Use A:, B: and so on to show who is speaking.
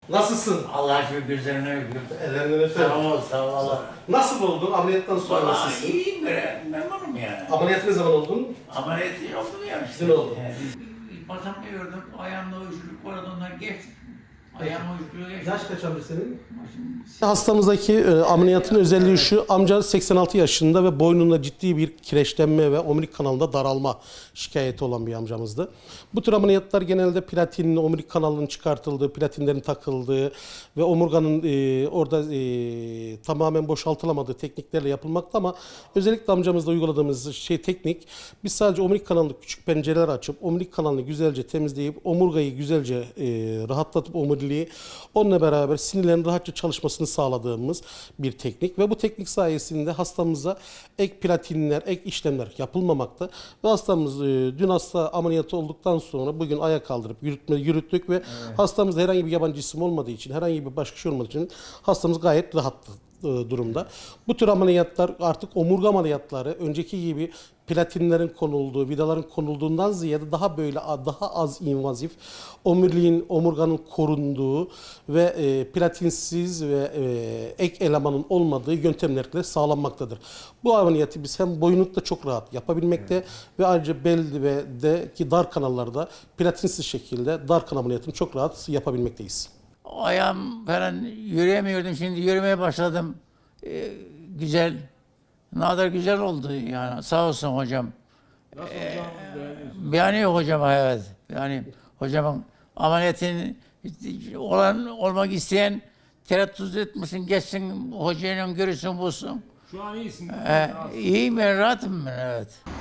A: Nasılsın?
B: Allah şükür gözlerini öpüyorum.
A: Ellerinden öperim.
B: Sağ ol, sağ ol Allah.
A: Nasıl oldun? Ameliyattan sonra
B: Vallahi
A: nasılsın?
B: iyiyim böyle, memnunum yani.
A: Ameliyat ne zaman oldun?
B: Ameliyat oldu ya işte.
A: Dün oldu.
B: Basamda gördüm, ayağımda uyuşukluk vardı, ondan geçtim. Ayağım uyuşukluğu geçti.
A: Yaş kaç amca senin?
B: Başım-
A: Hastamızdaki ameliyatın özelliği şu, amca 86 yaşında ve boynunda ciddi bir kireçlenme ve omurilik kanalında daralma şikayeti olan bir amcamızdı. Bu tür ameliyatlar genelde platinin, omurilik kanalının çıkartıldığı, platinlerin takıldığı ve omurganın orada tamamen boşaltılamadığı tekniklerle yapılmakta ama özellikle amcamızda uyguladığımız teknik, biz sadece omurilik kanalında küçük pencereler açıp omurilik kanalını güzelce temizleyip omurgayı güzelce rahatlatıp omuriliği onunla beraber sinirlerin rahatça çalışmasını sağladığımız bir teknik ve bu teknik sayesinde hastamıza ek platinler, ek işlemler yapılmamakta ve hastamız dün hasta ameliyatı olduktan sonra bugün ayağa kaldırıp yürüttük ve hastamızda herhangi bir yabancı cisim olmadığı için, herhangi bir başka şey olmadığı için hastamız gayet rahat durumda. Bu tür ameliyatlar artık omurga ameliyatları önceki gibi platinlerin konulduğu, vidaların konulduğundan ziyade daha böyle daha az invazif, omuriliğin, omurganın korunduğu ve platinsiz ve ek elemanın olmadığı yöntemlerle sağlanmaktadır. Bu ameliyatı biz hem boyunlukta çok rahat yapabilmekte ve ayrıca bel ve ki dar kanallarda platinsiz şekilde dar kanal ameliyatını çok rahat yapabilmekteyiz.
B: Ayağım falan yürüyemiyordum, şimdi yürümeye başladım. Güzel, ne kadar güzel oldu yani, sağ olsun hocam.
C: Nasıl hocam?
B: Yani yok hocam, evet. Yani hocamın ameliyatın olmak isteyen tereddüt etmesin, geçsin hocayla görüşsün, bulsun.
C: Şu an iyisin değil mi?
B: İyiyim ben, rahatım ben, evet.